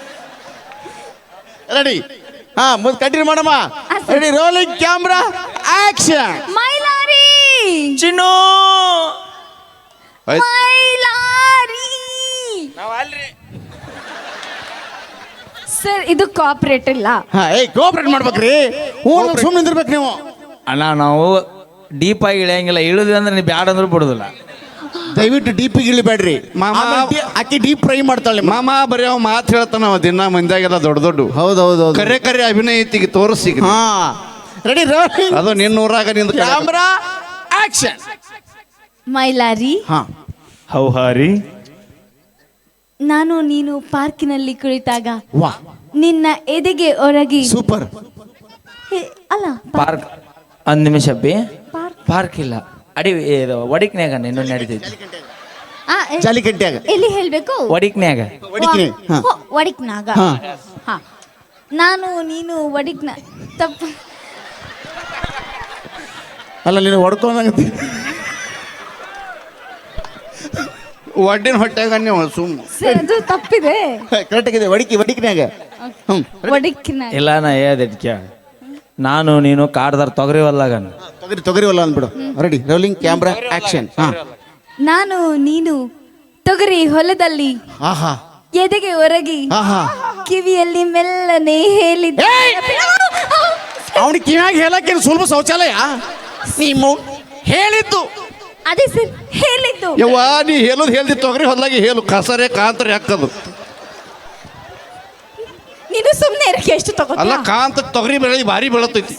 D: ರೆಡಿ ಹಾ ಮುಂದೆ ಕಂಟಿನ್ಯೂ ಮಾಡಮ್ಮ ready rolling camera action
C: Mailari
E: Chinnu
B: ಆಯ್ತು
C: ಮೈಲಾರಿ ಸರ್ ಇದು ಕಾಪರೇಟ್ ಇಲ್ಲ
D: ಹಾ ಏಯ್ ಕೋಆಪರೇಟ್ ಮಾಡ್ಬೇಕ್ರಿ ಸುಮ್ಮನೆ ನಿಂದಿರ್ಬೇಕು ನೀವು
E: ಅಣ್ಣ ನಾವು ಡೀಪ್ ಆಗಿ ಇಳಿಯಂಗಿಲ್ಲ ಇಳಿದ್ವಿ ಅಂದ್ರೆ ನೀವು ಬ್ಯಾಡ ಅಂದ್ರೆ ಬಿಡುದಿಲ್ಲ
D: ದಯವಿಟ್ಟು ಡೀಪ್ ಇಳಿಬೇಡ್ರಿ
B: ಮಾಮ.
D: ಆಕಿ ಡೀಪ್ ಫ್ರೈ ಮಾಡ್ತಾಳೆ
B: ಮಾಮ ಬರೀ ಅವ ಮಾತು ಹೇಳ್ತಾನ ಅವ ದಿನ ಮಂದ್ಯಾಗೆಲ್ಲ ದೊಡ್ಡ
D: ಹೌದೌದು
B: ಕರೆ ಅಭಿನಯ ಐತಿಗೆ ತೋರಿಸಿ
D: ಹಾ ರೆಡಿ ರೋಲಿಂಗ್
B: ಅದು ನಿನ್ನ ಊರಾಗ ನಿಂದ
D: ಕ್ಯಾಮ್ರಾ ಆಕ್ಷನ್.
C: ಮೈಲಾರಿ,
D: ಹಾ
E: ಹೌಹಾರಿ,
C: ನಾನು ನೀನು ಪಾರ್ಕಿನಲ್ಲಿ ಕುಳಿತಾಗ
D: ವಾ
C: ನಿನ್ನ ಎದೆಗೆ ಒರಗಿ
D: ಸೂಪರ್.
C: ಅಲ್ಲ
E: ಪಾರ್ಕ್ ಒಂದು ನಿಮಿಷ ಬಿ
C: ಪಾರ್ಕ್
E: ಪಾರ್ಕ್ ಇಲ್ಲ ಅಡಿ ಇದು ಒಡಿಕ್ನ್ಯಾಗ ಇನ್ನೂ ನಡೀತೈತಿ
C: ಆ,
D: ಜಾಲಿಕಟ್ಟಿಯಾಗ
C: ಎಲ್ಲಿ ಹೇಳ್ಬೇಕು?
E: ಒಡಿಕ್ನ್ಯಾಗ
D: ಒಡಿಕಿನಿ. ಹಾ
C: ಒಡಿಕ್ನಾಗ.
D: ಹಾ
C: ಹಾ, ನಾನು ನೀನು ಒಡಿಕ್ನ ತಪ್ಪ.
D: ಅಲ್ಲ ನೀನು ಹೊಡ್ಕೊಂಡಂಗತಿ.
B: ಒಡ್ಡಿನ ಹೊಟ್ಟೆಗ ನೀವು ಸುಮ್ಮ
C: ಸರ್, ಅದು ತಪ್ಪಿದೆ.
D: ಕರೆಕ್ಟ್ ಆಗಿದೆ. ಒಡಿಕಿನ್ಯಾಗ. ಹ್ಮ್
C: ಒಡಿಕ್ನಾಗ.
E: ಇಲ್ಲ ನಾ ಹೇಳ್ದೆ ನಾನು ನೀನು ಕಾಡ್ದಾರ ತೊಗರಿ ಹೊಲ್ಲಾಗ
D: ತೊಗರಿವಲ್ಲ ಅಂದ್ಬಿಡು. Ready, rolling camera action. ಹಾ
C: ನಾನು ನೀನು ತೊಗರಿ ಹೊಲದಲ್ಲಿ
D: ಆಹಾ
C: ಎದೆಗೆ ಒರಗಿ
D: ಆಹಾ.
C: ಕಿವಿಯಲ್ಲಿ ಮೆಲ್ಲನೆ ಹೇಳಿದ್ದ.
D: ಅವನಿಗೆ ಕಿವಿಯಾಗಿ ಹೇಳಕ್ಕೇನು ಸುಲಭ ಶೌಚಾಲಯ? ನೀವು ಹೇಳಿದ್ದು
C: ಅದೇ ಸರ್ ಹೇಳಿದ್ದು.
B: ಯವ್ವ ನೀ ಹೇಳೋದು ಹೇಳ್ದಿ ತೊಗರಿ ಹೊಲ್ದಾಗಿ ಹೇಳು ಕಸರೆ ಕಾಂತರಿ ಹಾಕದು
C: ನೀನು ಸುಮ್ಮನೆ ಇರಕ್ಕೆ ಎಷ್ಟು
B: ಅಲ್ಲ
C: ತಗೋತೀಯ?
B: ಕಾಂತ ತೊಗರಿ ಬೆಳೆ ಭಾರಿ ಬೆಳತೈತಿ.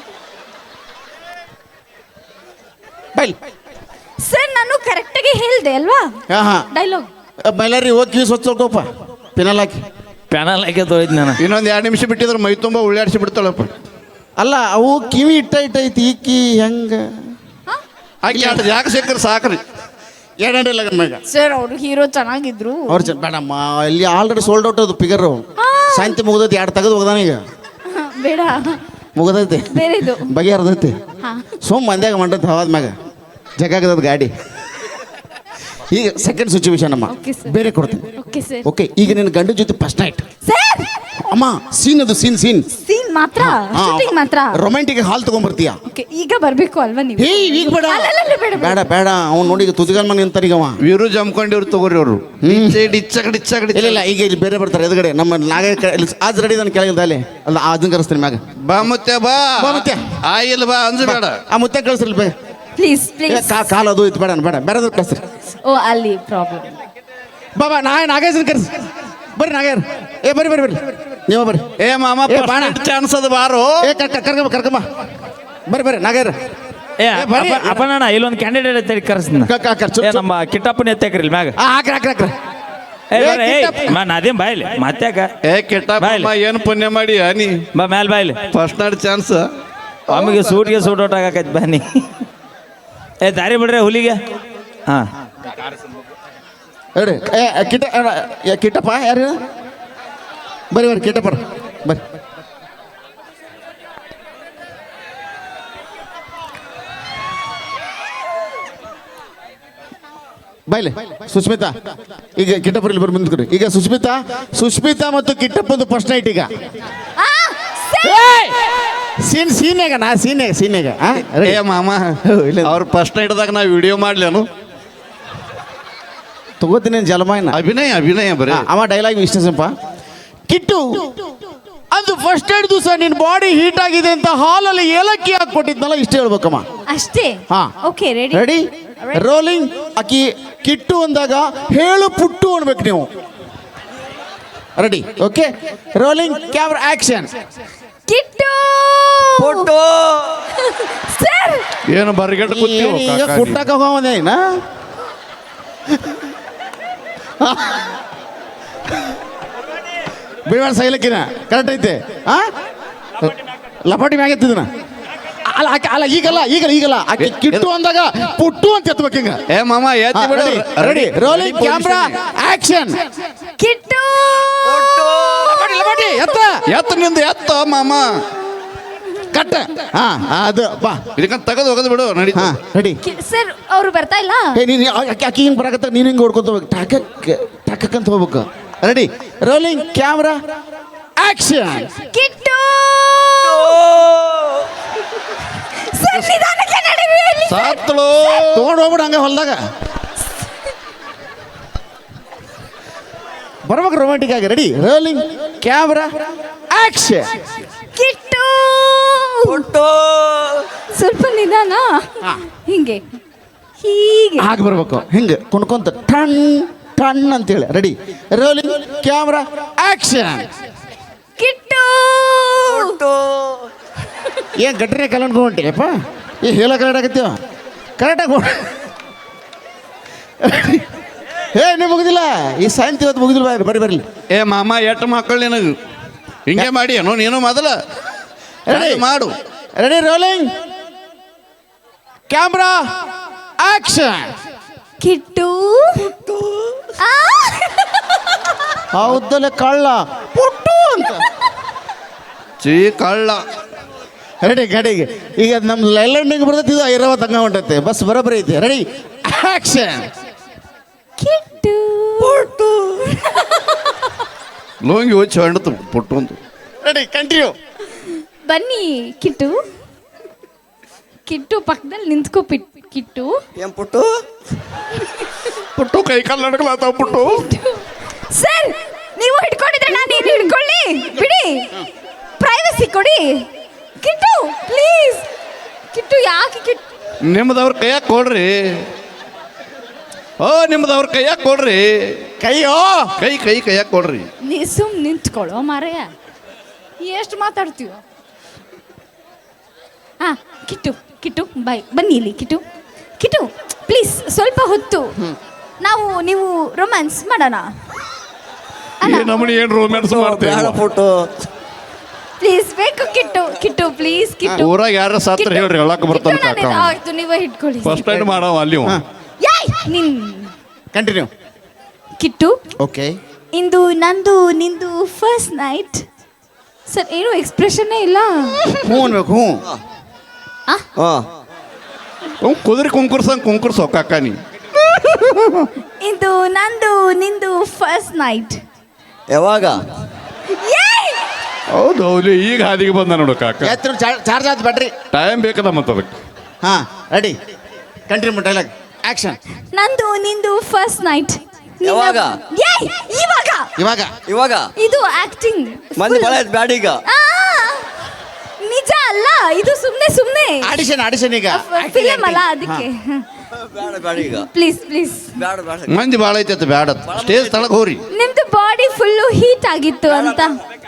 D: ಬೈಲ್.
C: ಸರ್ ನಾನು ಕರೆಕ್ಟಾಗಿ ಹೇಳ್ದೆ ಅಲ್ವಾ
D: ಆಹಾ
C: ಡೈಲಾಗ್?
D: ಮೈಲಾರಿ ಹೋಗಿ ಕಿವಿ ಸ್ವಚ್ಛ ತೊಳ್ಕೊಪ್ಪ, ಪಿನಲ್ ಹಾಕಿ.
E: ಪ್ಯಾನಲ್ ಹಾಕಿ ತೊಯ್ದು ನಾನು
B: ಇನ್ನೊಂದು 2 ನಿಮಿಷ ಬಿಟ್ಟಿದ್ರೆ ಮೈ ತುಂಬ ಉಳ್ಳಾಡಿಸಿ ಬಿಡ್ತಾಳಪ್ಪ.
D: ಅಲ್ಲ ಅವು ಕಿವಿ ಇಟ್ಟೈತಿ ಈಕಿ ಹೆಂಗ
B: ಆಕೆ ಆಟ ಯಾಕೆ ಸಿಕ್ಕರೆ ಸಾಕ್ರಿ.
D: ಏನಿಲ್ಲ ಮ್ಯಾಗ
C: ಸರ್ ಅವರು ಹೀರೋ ಚೆನ್ನಾಗಿದ್ರು.
D: ಅವ್ರು ಬೇಡಮ್ಮ, ಇಲ್ಲಿ ಆಲ್ರೆಡಿ ಸೋಲ್ಡ್ ಔಟ್ ಅದು ಪಿಗರ್. ಶಾಂತಿ ಮುಗ್ದೈತಿ, 2 ತೆಗೆದು ಹೋಗ್ದಾನ ಈಗ.
C: ಬೇಡ,
D: ಮುಗ್ದೈತಿ,
C: ಬೇರೆದು.
D: ಬಗೆಹರ್ದೈತಿ.
C: ಹಾ,
D: ಸೋಮ್ ಮಂದ್ಯಾಗ ಮಂಡತ್ ಹವಾದ ಮ್ಯಾಗ ಜಗಾಗದ ಗಾಡಿ. ಈಗ ಸೆಕೆಂಡ್ ಸಿಚುವೇಶನ್ ಅಮ್ಮ,
C: Okay, sir.
D: ಬೇರೆ ಕೊಡ್ತೀನಿ.
C: Okay sir.
D: ಓಕೆ, ಈಗ ನಿನ್ನ ಗಂಡ ಜೊತೆ ಫಸ್ಟ್ ನೈಟ್
C: ಸರ್
D: ಅಮ್ಮ. ಸೀನ್ ಅದು ಸೀನ್
C: ಸೀನ್ ಮಾತ್ರ, ಶೂಟಿಂಗ್ ಮಾತ್ರ.
D: ರೊಮ್ಯಾಂಟಿಕ್ ಹಾಲ್ ತಗೊಂಡ್ಬರ್ತೀಯ.
C: ಓಕೆ, ಈಗ ಬರ್ಬೇಕು ಅಲ್ವಾ ನೀವು?
D: ಹೇ ಈಗ ಬೇಡ
C: ಅಲ್ಲ, ಅಲ್ಲ, ಅಲ್ಲ, ಬೇಡ, ಬೇಡ.
D: ಬೇಡ ಬೇಡ. ಅವ್ನು ನೋಡಿ ಈಗ ತುದಿಗಲ್ ಮನೆ ನಿಂತಾರೀಗ ಅವ.
B: ವೀರು ಜಮ್ಕೊಂಡಿವ್ರು ತಗೋರಿ ಅವರು ಡಿಚ್ಚಗಡಿ
D: ಇಲ್ಲ ಇಲ್ಲ, ಈಗ ಇಲ್ಲಿ ಬೇರೆ ಬರ್ತಾರೆ ಎದುರುಗಡೆ. ನಮ್ಮ ನಾಗ ಆಜ್ ರೆಡಿ ನಾನು ಕೆಳಗಿದ್ದ ಅಲ್ಲಿ ಅಲ್ಲ, ಅದನ್ನ ಕರೆಸ್ತೀನಿ ಮ್ಯಾಗ.
B: ಬಾ ಮುತ್ತೆ ಬಾ
D: ಬಾ ಮುತ್ತೆ.
B: ಆಯಿಲ್ ಬಾ ಅಂಜಬೇಡ.
D: ಆ ಮುತ್ತೆ ಕಳಿಸ್ರಿ ಬೇ.
C: Please please.
D: ಕಾಲು ಅದು ಇತ್ತು, ಬೇಡ ಬೇಡ, ಬೇರೆ ಕಳಿಸ್ರಿ.
C: ಓ, ಅಲ್ಲಿ ಪ್ರಾಬ್ಲಮ್.
D: ಬಾಬಾ ನಾಗೇಶನ್ ಕರೆಸಿ. ಬರ್ರಿ ನಾಗೇರ್. ಏ ಬರ್ರಿ ಬರ್ರಿ ಬರ್ರಿ, ನೀವು ಬರ್ರಿ.
B: ಏ ಮಾಮ
D: ಏ, ಬಾಣ.
B: ಚಾನ್ಸ್ ಅದು ಬಾರೋ.
D: ಏ ಕರ್ಕಮ್ಮ ಬರ್ರಿ ಬರ್ರಿ ನಾಗೇರ್.
E: ಏ
D: ಬರ್ರಿ.
E: ಅಪ್ಪಣ್ಣ ಇಲ್ಲೊಂದು ಕ್ಯಾಂಡಿಡೇಟ್ ಐತೆ ಕರೆಸ್ತೀನಿ.
D: ಕರ್ಸು.
E: ಏ ನಮ್ಮ ಕಿಟ್ಟಪ್ಪನ ಎತ್ತಾಕ್ರಿ ಮ್ಯಾಗ.
D: ಹಾಕ್ರಿ ಹಾಕ್ರಿ ಹಾಕ್ರಿ.
E: ಏ
D: ಏ,
E: ಬರ್ರಿ,
D: ಕಿಟ್ಟಪ್ಪ.
E: ಅದೇನ್ ಬಾಯ್ಲಿ ಮತ್ತ್ಯಾಕ
B: ಏ ಕೆಟ್ಟ ಏನು ಪುಣ್ಯ ಮಾಡಿ ನೀ
E: ಬಾ ಮ್ಯಾಲ್ ಬಾಯ್ಲಿ.
B: ಫಸ್ಟ್ ನಾಡ್ ಚಾನ್ಸ್.
E: ಆಮೇಲೆ ಸೂಟ್ ಔಟ್ ಆಗಕೈತಿ ಬನ್ನಿ. ಏ ದಾರಿ ಬಿಡ್ರಿ ಹುಲಿಗೆ. ಹಾ
D: ಹೇಳಿ. ಕಿಟ್ಟಪ್ಪ ಯಾರು? ಬರ್ರಿ ಬರ್ರಿ ಕಿಟ್ಟಪ್ಪ ಬರ್ರಿ. ಬೈಲೆ ಸುಸ್ಮಿತಾ. ಈಗ ಕಿಟ್ಟಪ್ಪರಲ್ಲಿ ಬರ್ರಿ ಮುಂದ್ಕೊಡಿ. ಈಗ ಸುಸ್ಮಿತಾ ಮತ್ತು ಕಿಟ್ಟಪ್ಪಂದು ಫಸ್ಟ್ ನೈಟ್. ಈಗ ಸೀನ್ಯಾಗ
B: ಏ ಮಾಮ ಅವ್ರ ಫಸ್ಟ್ ನೈಟ್ದಾಗ ನಾ ವಿಡಿಯೋ ಮಾಡ್ಲೇನು
D: ತಗೋತೀನಿ ಜಲಮಾಯನ.
B: ಅಭಿನಯ ಬರೀ.
D: ಅವ ಡೈಲಾಗ್ ಇಷ್ಟ ಸ್ವಲ್ಪ. ಕಿಟ್ಟು ಅದು ಫಸ್ಟ್ ಏಡ್ ದಿವಸ ನಿನ್ನ ಬಾಡಿ ಹೀಟ್ ಆಗಿದೆ ಅಂತ ಹಾಲಲ್ಲಿ ಏಲಕ್ಕಿ ಹಾಕೊಟ್ಟಿದ್ನಲ್ಲ, ಇಷ್ಟ ಹೇಳ್ಬೇಕಮ್ಮ.
C: ಅಷ್ಟೇ.
D: ಹಾ
C: ಓಕೆ, ರೆಡಿ
D: ರೆಡಿ, ರೋಲಿಂಗ್. ಅಕ್ಕಿ ಕಿಟ್ಟು ಅಂದಾಗ ಹೇಳು ಪುಟ್ಟು ಅನ್ಬೇಕು ನೀವು. Ready, okay, rolling camera action.
C: Kittu
E: photo.
C: Sir
B: ಏನು ಬರ್ಗೆಟ್ ಕೂತೀವೋ
D: ಈಗ
B: ಕಾಕ
D: ಕುಟ್ಟಕ್ಕೆ ಹೋಗೋದೇನ? ಬಿಡಬೇಡ ಸೈಲಕ್ಕಿನ ಕರೆಕ್ಟ್ ಐತೆ. ಆ ಲಪಾಟಿ ಮ್ಯಾಗ ಎತ್ತಿದನ. ಅಲ್ಲ ಈಗಲ್ಲ ಆಕೆ ಕಿಟ್ಟು ಅಂದಾಗ ಪುಟ್ಟು ಅಂತ ಎತ್ತಬೇಕು ಹಿಂಗ.
B: ಏ ಮಾಮ ಎತ್ತಿ ಬಿಡು.
D: Ready, rolling camera action.
C: Kittu
D: ಲಪಾಟಿ
B: ಎತ್ತ ನಿಂದು ಎತ್ತ ಮಾಮ.
D: ಕಟ್ಟ. ಹಾ ಅದು ಬಾ.
B: ಇದಕ್ಕಂತ ತೆಗೆದು ಹೋಗೋದು ಬಿಡು
D: ಹಾ
B: ನಡೀತಾ.
D: ರೆಡಿ.
C: ಸರ್ ಅವರು ಬರ್ತಾ ಇಲ್ಲ.
D: ನೀನು ಅಕ್ಕಿ ಹಿಂಗೆ ಬರಕತ್ತ, ನೀನು ಹಿಂಗೆ ಹೊಡ್ಕೊತ ಹೋಗ್ಬೇಕು. ಟಾಕಕ್ ಅಂತ ಹೋಗ್ಬೇಕು. Ready, rolling camera action.
C: Kittu sir ನಿಧಾನಕ್ಕೆ ನಡೀರಿ.
B: ಸಾತ್ಳು
D: ತಗೊಂಡು ಹೋಗ್ಬಿಡು ಹಂಗೆ ಹೊಲ್ದಾಗ. ಬರ್ಬೇಕು ರೊಮ್ಯಾಂಟಿಕ್ ಆಗಿ. Ready, rolling camera action.
C: Kittu ಸ್ವಲ್ಪ ನಿಧಾನ. ಹಿಂಗೆ ಹೀಗೆ
D: ಹಾಗೆ ಬರ್ಬೇಕು, ಹಿಂಗೆ ಕುಣ್ಕೊಂತ ಟಣ್ ಟಣ್ ಅಂತೇಳಿ. Ready, rolling camera action.
C: Kittu
D: ಏನ್ ಗಟ್ರೆ ಕಲ್ಕೊಂಡ್ಕೊಂಟಿಯಪ್ಪ? ಏ ಹೇಳ ಕಲಾಡಕತ್ತೀವ. ಕರೆಕ್ಟಾಗಿ ಏ ನೀವು ಮುಗಿದಿಲ್ಲ ಈ ಸಾಯಂತಿ ಇವತ್ತು ಮುಗಿದಿಲ್ಲ ಬರ್ರಿ ಬರ್ರಿ
B: ಏ ಮಾಮ ಎಷ್ಟು ಮಕ್ಕಳು ನಿನಗೆ ಹಿಂಗೆ ಮಾಡಿ ಏನೋ ನೀನು ಮೊದಲ
D: ರೆಡಿ
B: ಮಾಡು
D: ready rolling camera action
C: Kittu ಆ,
D: ಹೌದಲ್ಲ ಕಳ್ಳ ಪುಟ್ಟು ಅಂತ
B: ಚೀ ಕಳ್ಳ
D: ರೆಡಿ ಗಾಡಿಗೆ ಈಗ ನಮ್ಮ ಲೈಲ್ಯಾಂಡಿಗೆ ಬರ್ತೈತಿ ಇದು ಐರಾವತ್ ಹಂಗ ಹೊಂಟೈತೆ ಬಸ್ ಬರೋಬ್ಬರಿ ಐತಿ ರೆಡಿ ಆಕ್ಷನ್
C: ಕಿಟ್ಟು
B: ಲೋಂಗಿ ಹೋಗಿ ಹೊಂಡತು ಪುಟ್ಟು ಅಂತ
D: ರೆಡಿ ಕಂಟಿನ್ಯೂ
C: ಬನ್ನಿ ಕಿಟ್ಟು ಕಿಟ್ಟು ಪಕ್ಕದಲ್ಲಿ ನಿಂತ್ಕೋ ಕಿಟ್ಟು
A: ಏನ್ ಪುಟ್ಟು
B: ಪುಟ್ಟು ಕೈ ಕಾಲು ನಡ್ಕಲಾತಾವ ಪುಟ್ಟು
C: ಸರ್ ನೀವು ಹಿಡ್ಕೊಂಡಿದ್ರೆ ನಾನು ಏನು ಹಿಡ್ಕೊಳ್ಳಿ ಬಿಡಿ ಪ್ರೈವಸಿ ಕೊಡಿ ಕಿಟ್ಟು ಪ್ಲೀಸ್ ಕಿಟ್ಟು ಯಾಕೆ ಕಿಟ್ಟು
B: ನಿಮ್ದವ್ರ ಕೈಯಾಗ ಕೊಡ್ರಿ ಓ ನಿಮ್ದವ್ರ ಕೈಯಾಗ ಕೊಡ್ರಿ
D: ಕೈಯೋ
B: ಕೈಯಾಗ ಕೊಡ್ರಿ
C: ನೀ ಸುಮ್ ನಿಂತ್ಕೊಳ್ಳೋ ಮಾರಯ್ಯ ಎಷ್ಟು ಮಾತಾಡ್ತೀವ ಹಾ ಕಿಟ್ಟು ಕಿಟ್ಟು ಬಾಯ್ ಬನ್ನಿ ಇಲ್ಲಿ ಕಿಟ್ಟು ಕಿಟ್ಟು ಪ್ಲೀಸ್ ಸ್ವಲ್ಪ ಹೊತ್ತು ನೀವು ರೊಮ್ಯಾನ್ಸ್ ಮಾಡೋಣ
B: ಈ ನಮ್ಮನಿ ಏನು ರೋಮ್ಯಾನ್ಸ್
A: ಬೇಡ
B: ಮಾಡ್ತೇವೆ
A: ಪುಟ್ಟು
C: ಪ್ಲೀಸ್ ಬೇಕು ಕಿಟ್ಟು ಕಿಟ್ಟು ಪ್ಲೀಸ್ ಕಿಟ್ಟು
B: ಊರಾಗ ಯಾರ ಸಾತ್ರ ಹೇಳ್ರಿ ಹೇಳಕ್ ಬರ್ತಾನೆ
C: ಕಿಟ್ಟು,
B: ಕಾಕ
C: ನಾನು- ಆಯ್ತು ನೀವೇ ಹಿಡ್ಕೊಳ್ಳಿ
B: ಫಸ್ಟ್ ಟೈಮ್ ಮಾಡವ ಅಲ್ಲಿ ಅವ.
C: ಯಾಯ್ ನಿನ್
D: ಕಂಟಿನ್ಯೂ
C: ಕಿಟ್ಟು
D: ಓಕೆ
C: ಇಂದು ನಂದು ನಿಂದು ಫಸ್ಟ್ ನೈಟ್ ಸರ್ ಏನು ಎಕ್ಸ್ಪ್ರೆಷನ್ನೇ ಇಲ್ಲ
D: ಹ್ಞೂ ಅನ್ಬೇಕು ಹ್ಞೂ
A: ಹಾ
B: ಅವ್ನ್ ಕುದುರೆ ಕುಂಕುರ್ಸೋ ಕಾಕ ನೀ
C: ಇಂದು ನಂದು ನಿಂದು ಫಸ್ಟ್ ನೈಟ್
A: ಯಾವಾಗ
B: ಹೌದು ಹೌದು ಈಗ ಹಾದಿಗೆ ಬಂದ ನೋಡು ಕಾಕ
D: ಎತ್ತರ ಚಾರ್ಜ್ ಆಯ್ತು ಬ್ಯಾಟ್ರಿ
B: ಟೈಮ್ ಬೇಕದ ಮತ್ತೆ ಅದಕ್ಕೆ
D: ಹಾಂ ರೆಡಿ ಕಂಟಿನ್ಯೂ ಡೈಲಾಗ್ ಆಕ್ಷನ್
C: ನಂದು ನಿಂದು ಫಸ್ಟ್ ನೈಟ್
A: ಯಾವಾಗ?
C: ಇವಾಗ
D: ಇವಾಗ
A: ಇವಾಗ
C: ಇದು ಆಕ್ಟಿಂಗ್
A: ಮಂದಿ ಬಳ ಆಯ್ತು ಬ್ಯಾಡ ಈಗ
C: ನಿಜ ಅಲ್ಲ ಇದು ಸುಮ್ನೆ
D: ಆಡಿಷನ್ ಈಗ
C: ಫಿಲಮ್ ಅಲ್ಲ ಅದಕ್ಕೆ
A: ಬೇಡ ಈಗ
C: ಪ್ಲೀಸ್ ಪ್ಲೀಸ್
A: ಬೇಡ
B: ಮಂದಿ ಭಾಳ ಐತೆ ಬ್ಯಾಡ ಸ್ಟೇಜ್ ತಳಗ ಹೋರಿ
C: ನಿಮ್ದು ಬಾಡಿ ಫುಲ್ಲು ಹೀಟ್ ಆಗಿತ್ತು ಅಂತ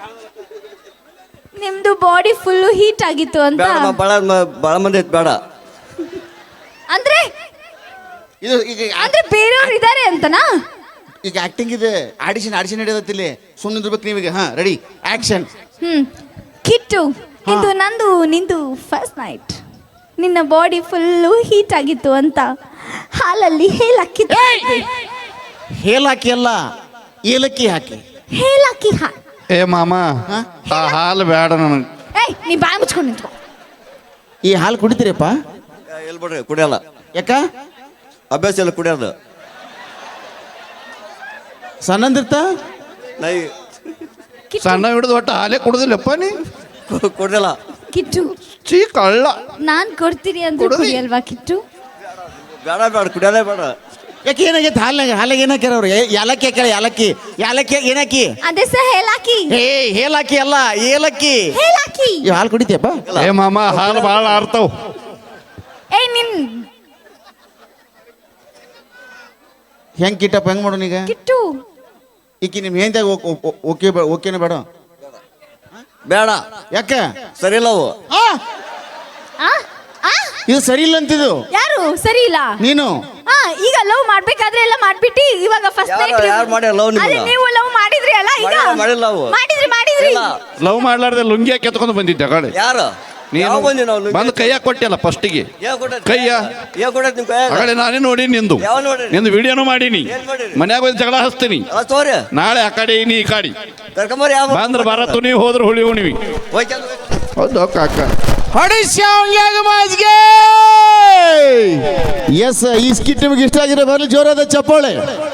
C: ನಿಮ್ದು ಬಾಡಿ ಫುಲ್ಲು ಹೀಟ್ ಆಗಿತ್ತು ಅಂತ
A: ಬೇಡ ಬಳ ಮಂದಿ ಐತೆ ಬೇಡ
D: ಇದು ಈಗ
C: ಅಂದ್ರೆ ಬೇರೆಯವ್ರು ಇದಾರೆ ಅಂತನಾ
D: ಈಗ ಆಕ್ಟಿಂಗ್ ಇದೆ ಆಡಿಷನ್ ನಡೆಯೋದತ್ತ ಇಲ್ಲಿ ಸುಮ್ಮನೆ ಇರ್ಬೇಕು ನೀವೀಗ ಹಾಂ ರೆಡಿ ಆಕ್ಷನ್
C: ಕಿಟ್ಟು ಇದು ನಂದು ನಿಂದು ಫಸ್ಟ್ ನೈಟ್ ನಿನ್ನ ಬಾಡಿ ಫುಲ್ಲು ಹೀಟ್ ಆಗಿತ್ತು ಅಂತ ಹಾಲಲ್ಲಿ ಹೇಲಕ್ಕಿತ್ತು
D: ಹೇಲಾಕಿ ಅಲ್ಲ ಏಲಕ್ಕಿ ಹಾಕಿ
C: ಹೇಲಕ್ಕಿ
B: ಏ ಮಾಮ ಆ ಹಾಲು ಬೇಡ ನನಗೆ
C: ಏಯ್ ನೀ ಬಾಯಿ ಮುಚ್ಕೊಂಡು ನಿಂತ್ಕೊ
D: ಈ ಹಾಲು ಕುಡಿತೀರಪ್ಪ
A: ಎಲ್ಲಿ ಬಿಡ್ರಿ ಕುಡಿಯಲ್ಲ
D: ಯಾಕ
A: ಅಭ್ಯಾಸ ಎಲ್ಲ ಕುಡಿಯೋದು
D: ಸಣ್ಣಂದಿರ್ತ
A: ನೈ
B: ಸಣ್ಣ ಹಿಡಿದು ಒಟ್ಟು ಹಾಲೇ ಕುಡುದಿಲ್ಲಪ್ಪ ನೀ
A: ಕುಡಿಯಲ್ಲ
C: ಕಿಟ್ಟು
B: ಚೀ ಕಳ್ಳ
C: ನಾನ್ ಕೊಡ್ತೀರಿ ಅಂದ್ರೆ ಕುಡಿಯಲ್ವಾ ಕಿಟ್ಟು
A: ಬೇಡ ಕುಡಿಯೋದೇ ಬೇಡ
D: ಯಾಕೆ ಏನಾಗೈತೆ ಹಾಲಾಗ ಏನು ಹಾಕ್ಯಾರ ಅವ್ರು ಯಾಲಕ್ಕಿ ಹಾಕ್ಯಾರ ಯಾಲಕ್ಕಿ ಏನಾಕಿ
C: ಅದೇ ಸಹ ಹೇಲಾಕಿ
D: ಹೇಲಾಕಿ ಅಲ್ಲ ಏಲಕ್ಕಿ
C: ಹೇಲಾಕಿ
D: ಈ ಹಾಲು ಕುಡಿತೀಯಪ್ಪ
B: ಏ ಮಾಮ ಹಾಲು ಭಾಳ ಆರ್ತಾವ್
C: ಏಯ್ ನಿನ್
D: ಹೆಂಗ್ ಕಿಟ್ಟಪ್ಪ ಹೆಂಗ್ ಮಾಡೋಣ ಈಗ
C: ಕಿಟ್ಟು
D: ಈಕಿ ನಿಮ್ ಹೆಂದಾಗ ಓಕೆನ ಬೇಡ
A: ಬೇಡ
D: ಯಾಕ
A: ಸರಿ ಇಲ್ಲ ಅವು
C: ಆ ಆ
D: ಇದು ಸರಿ ಇಲ್ಲ ಅಂತಿದ್ದು
C: ಯಾರು ಸರಿ ಇಲ್ಲ
D: ನೀನು
C: ಈಗ ಲವ್ ಮಾಡ್ಬೇಕಾದ್ರೆ ಎಲ್ಲ ಮಾಡ್ಬಿಟ್ಟು ಇವಾಗ ಫಸ್ಟ್
A: ಯಾರು ಮಾಡ್ಯಾರ love ನಿಮ್ಗೆ?
C: ಅದೇ ನೀವು ಲವ್ ಮಾಡಿದ್ರಿ ಅಲ್ಲ ಈಗ
A: ಮಾಡಿಲ್ಲ love.
C: ಮಾಡಿದ್ರಿ
A: ಇಲ್ಲ
B: ಲವ್ ಮಾಡ್ಲಾರ್ದೆ ಲುಂಗಿ ಹಾಕಿ ಎತ್ಕೊಂಡು ಬಂದಿದ್ದೆ ಕಡೆ
A: ಯಾರು ಯಾವ ಬಂದಿ ನಾವು
B: ಬಂದು ಕೈಯಾಗ ಕೊಟ್ಟಿಲ್ಲ ಫಸ್ಟಿಗೆ ಕೈಯ
A: ಏನ್ ಕೊಡೈತಿ ನಿಮ್ ಕೈಯಾಗ
B: ಆಗಲೇ ನಾನೇ ನೋಡಿ ನಿಂದು
A: ಯಾವ ನೋಡಿರಿ?
B: ನಿಂದು ವಿಡಿಯೋನು ಮಾಡೀನಿ
A: ಏನ್ ಮಾಡಿರಿ?
B: ಮನ್ಯಾಗ ಹೋಗಿ ಜಗಳ ಹಚ್ತೀನಿ
A: ಅಲ್ಲ ತೋರಿ
B: ನಾಳೆ ಆ ಕಡೆ ನೀ ಈ ಕಡೆ
A: ಕರ್ಕೊಂಬರಿ ಯಾವ
B: ಬಂದ್ರೆ ಬರತ್ತು ನೀವು ಹೋದ್ರೆ ಹುಳಿ ಉಣಿವಿ ಹೌದು ಕಾಕ
D: ಎಸ್ ಈ ಸ್ಕಿಟ್ ನಿಮಗೆ ಇಷ್ಟ ಆಗಿದೆ ಬರಲಿ ಜೋರಾದ ಚಪ್ಪಾಳೆ